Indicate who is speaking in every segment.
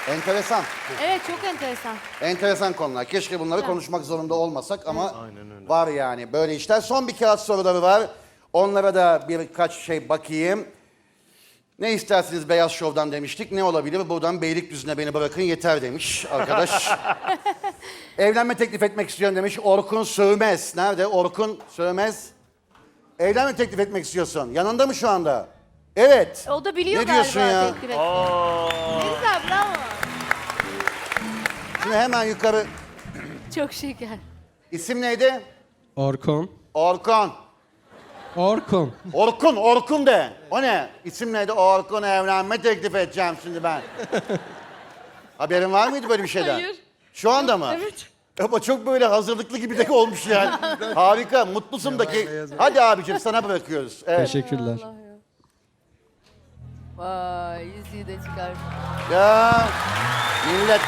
Speaker 1: Enteresan.
Speaker 2: Evet, çok enteresan.
Speaker 1: Enteresan konular. Keşke bunları
Speaker 2: Evet.
Speaker 1: konuşmak zorunda olmasak ama var yani böyle işler. Son bir kağıt soruları var. Onlara da birkaç şey bakayım. Ne istersiniz Beyaz Şov'dan demiştik. Ne olabilir? Buradan Beylikdüzü'ne beni bırakın yeter demiş arkadaş. Evlenme teklif etmek istiyorum demiş Orkun Sövmez. Nerede? Orkun Sövmez. Evlenme teklif etmek istiyorsun. Yanında mı şu anda? Evet.
Speaker 2: O da biliyor
Speaker 1: Ne diyorsun
Speaker 2: galiba
Speaker 1: ya?
Speaker 2: teklif etmeyi. Ne güzel, bravo.
Speaker 1: Şimdi hemen yukarı.
Speaker 2: Çok şeker.
Speaker 1: İsim neydi?
Speaker 3: Orkun.
Speaker 1: Orkun.
Speaker 3: Orkun.
Speaker 1: Orkun de. O ne? İsim neydi? Orkun evlenme teklif edeceğim şimdi ben. Haberin var mıydı böyle bir şeyden?
Speaker 2: Hayır.
Speaker 1: Şu anda mı?
Speaker 2: Evet.
Speaker 1: Ama çok böyle hazırlıklı gibi de olmuş yani. Harika, mutlusun da ki. Hadi abicim sana bırakıyoruz. Evet.
Speaker 3: Teşekkürler.
Speaker 2: Allah ya. Vay, yüzüğü de çıkar.
Speaker 1: Ya millet.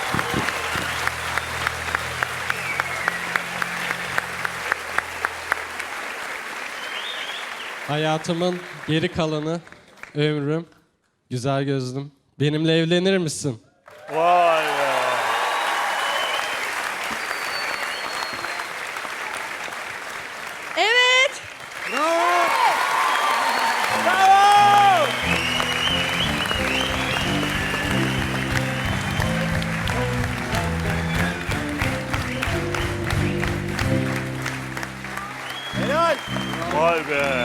Speaker 3: Hayatımın geri kalanı, ömrüm, güzel gözlüm. Benimle evlenir misin?
Speaker 4: Vay be.
Speaker 2: Evet.
Speaker 1: Helal.
Speaker 4: Vay be.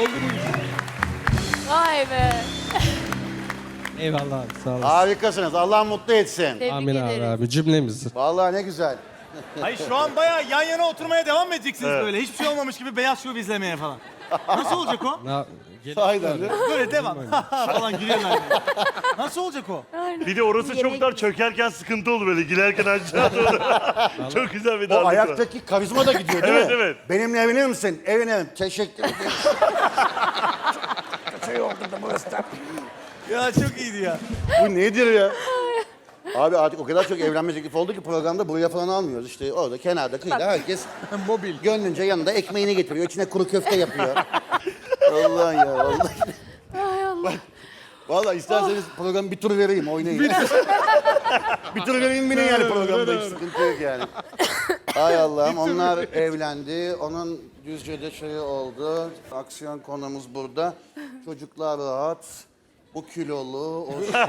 Speaker 2: Vay be.
Speaker 3: Eyvallah abi, sağ olasın.
Speaker 1: Harikasınız. Allah mutlu etsin.
Speaker 2: Tebrik
Speaker 3: Amin abi,
Speaker 2: ederim.
Speaker 3: abi cümlemizi.
Speaker 1: Vallahi ne güzel.
Speaker 5: Hayır şu an bayağı yan yana oturmaya devam edeceksiniz
Speaker 4: Evet.
Speaker 5: böyle. Hiçbir şey olmamış gibi Beyaz Şov izlemeye falan. Nasıl olacak o?
Speaker 1: Aynen.
Speaker 5: Böyle devam. falan gülüyorlar. böyle. Nasıl olacak o?
Speaker 4: Bir de orası çok dar, çökerken sıkıntı olur böyle, giderken aşağı doğru. Çok güzel bir
Speaker 1: O
Speaker 4: darlık var.
Speaker 1: ayaktaki karizma da gidiyor değil
Speaker 4: Evet,
Speaker 1: mi?
Speaker 4: evet.
Speaker 1: Benimle evlenir misin? Evlenirim. Teşekkür ederim. Şey oldu da burası da.
Speaker 5: Ya çok iyiydi ya.
Speaker 1: Bu nedir ya? Abi artık o kadar çok evlenme teklifi oldu ki programda buraya falan almıyoruz. İşte orada kenarda kıyıda herkes mobil. Gönlünce yanında ekmeğini getiriyor. İçine kuru köfte yapıyor. Allah ya vallahi.
Speaker 2: Ay Allah.
Speaker 1: Vallahi isterseniz programı bir tur vereyim oynayın. Bir tur vereyim binin yani programda hiç sıkıntı yok yani. Ay Allah'ım onlar evlendi. Onun Düzce'de şey oldu. Aksiyon konumuz burada. Çocuklar rahat. Bu kilolu, o şey.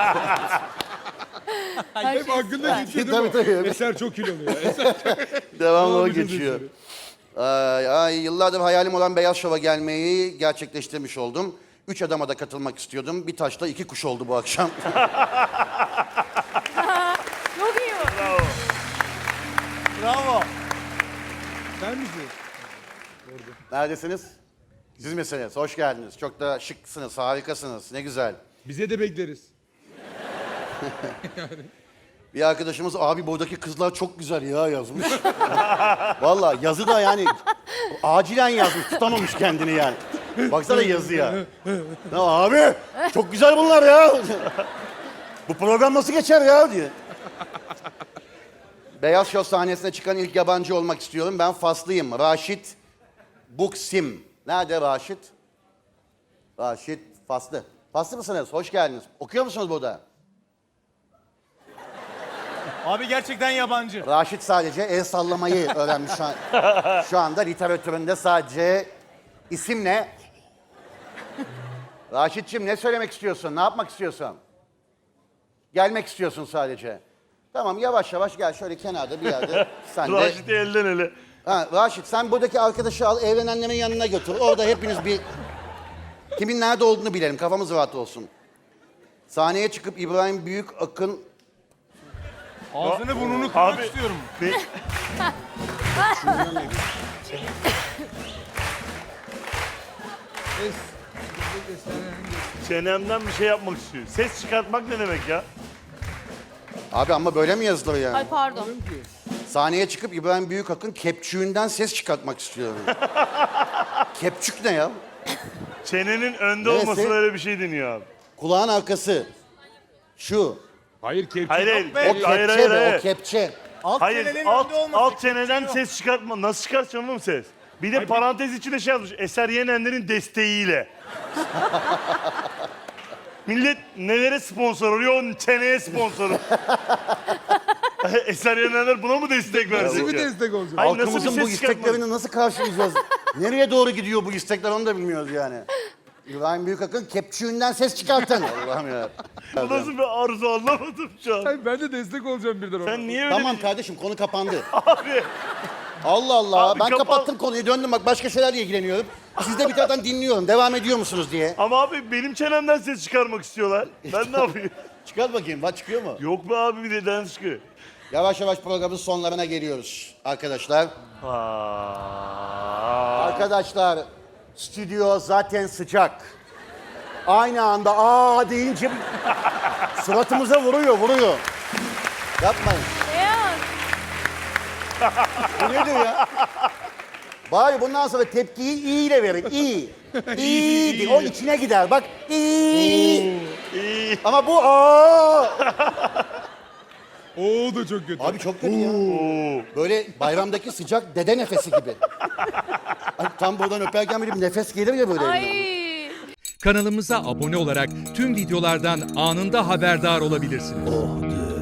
Speaker 2: Hep
Speaker 6: Hakkında geçiyor değil
Speaker 1: Tabii,
Speaker 6: mi?
Speaker 1: tabii.
Speaker 6: Eser çok kilolu ya.
Speaker 1: Devamlı o
Speaker 6: Abi, çok
Speaker 1: geçiyor. Ay, yıllardır hayalim olan Beyaz Şov'a gelmeyi gerçekleştirmiş oldum. 3 adama da katılmak istiyordum. Bir taşla 2 kuş oldu bu akşam.
Speaker 2: Çok iyi.
Speaker 5: Bravo.
Speaker 6: Sen misin?
Speaker 1: Neredesiniz? Siz misiniz? Hoş geldiniz. Çok da şıksınız, harikasınız. Ne güzel.
Speaker 6: Bize de bekleriz.
Speaker 1: Bir arkadaşımız abi buradaki kızlar çok güzel ya yazmış. Vallahi yazı da yani acilen yazmış. Tutamamış kendini yani. Baksana yazıya. Ya abi çok güzel bunlar ya. Bu program nasıl geçer ya diye. Beyaz Şov sahnesine çıkan ilk yabancı olmak istiyorum. Ben Faslıyım. Raşit Buksim. Nerede Raşit? Raşit Faslı. Faslı mısınız? Hoş geldiniz. Okuyor musunuz burada?
Speaker 5: Abi gerçekten yabancı.
Speaker 1: Raşit sadece el sallamayı öğrenmiş şu an. Şu anda literatüründe sadece isim ne? Raşit'cim ne söylemek istiyorsun? Ne yapmak istiyorsun? Gelmek istiyorsun sadece. Tamam yavaş yavaş gel şöyle kenarda bir yerde. Sen de.
Speaker 4: Raşit'i elden ele.
Speaker 1: Ha, Raşit sen buradaki arkadaşı al evlenenlerin yanına götür. Orada hepiniz bir kimin nerede olduğunu bilelim. Kafamız rahat olsun. Sahneye çıkıp İbrahim Büyükakın
Speaker 5: Ağzını burnunu kırmak
Speaker 4: Abi.
Speaker 5: istiyorum.
Speaker 4: Çenemden bir şey yapmak istiyor. Ses çıkartmak ne demek ya?
Speaker 1: Abi ama böyle mi yazılır yani?
Speaker 2: Ay pardon.
Speaker 1: Sahneye çıkıp İbrahim Büyükakın kepçüğünden ses çıkartmak istiyorum. Kepçük ne ya?
Speaker 4: Çenenin önde
Speaker 1: Neresi?
Speaker 4: olması öyle bir şey deniyor abi.
Speaker 1: Kulağın arkası. Şu.
Speaker 6: Hayır kepçe.
Speaker 4: Hayır hayır.
Speaker 1: O kepçe
Speaker 4: Hayır
Speaker 1: be,
Speaker 4: hayır
Speaker 1: o
Speaker 4: hayır.
Speaker 1: kepçe.
Speaker 5: Alt
Speaker 4: Hayır
Speaker 5: çenenin
Speaker 4: alt,
Speaker 5: önde olması.
Speaker 4: alt çeneden ses çıkartma. Nasıl çıkartacaksın oğlum ses? Bir de parantez içinde şey yazmış. Eser Yenenler'in desteğiyle. Millet nelere sponsor oluyor? O çeneye sponsor. Eser Yenerler buna mı destek verecek?
Speaker 6: Nasıl bir
Speaker 4: ya?
Speaker 6: destek olacak?
Speaker 4: Hayır, nasıl bir
Speaker 1: Halkımızın bu
Speaker 4: ses çıkartmalı?
Speaker 1: isteklerini nasıl karşılayacağız? Nereye doğru gidiyor bu istekler onu da bilmiyoruz yani. İbrahim Büyükakın kepçüğünden ses çıkartın. Allah'ım ya.
Speaker 4: Bu nasıl bir arzu anlamadım şu an.
Speaker 6: Ay, ben de destek olacağım birden ona.
Speaker 4: Sen niye öyle
Speaker 1: Tamam kardeşim konu kapandı.
Speaker 4: abi?
Speaker 1: Allah Allah.
Speaker 4: Abi
Speaker 1: Ben
Speaker 4: kapan-
Speaker 1: kapattım konuyu döndüm bak başka şeylerle ilgileniyorum. Siz de bir taraftan dinliyorum. Devam ediyor musunuz diye.
Speaker 4: Ama abi benim çenemden ses çıkarmak istiyorlar. Ben ne yapayım?
Speaker 1: Çıkar bakayım. Bak çıkıyor mu?
Speaker 4: Yok be abi bir de çıkıyor.
Speaker 1: Yavaş yavaş programın sonlarına geliyoruz arkadaşlar. Arkadaşlar stüdyo zaten sıcak. Aynı anda aa deyince suratımıza vuruyor. Yapmayın.
Speaker 2: Beyaz.
Speaker 1: Bu nedir ya? Bari bundan sonra tepkiyi iyi ile verin. İyi. İyi. O içine gider. Bak iyi.
Speaker 4: İyi.
Speaker 1: Ama bu aa.
Speaker 6: Oo da çok kötü.
Speaker 1: Abi çok kötü ya. Böyle bayramdaki sıcak dede nefesi gibi. Ay, tam buradan öperken böyle bir nefes gelir ya böyle. elimden.
Speaker 2: Ay.
Speaker 7: Kanalımıza abone olarak tüm videolardan anında haberdar olabilirsiniz.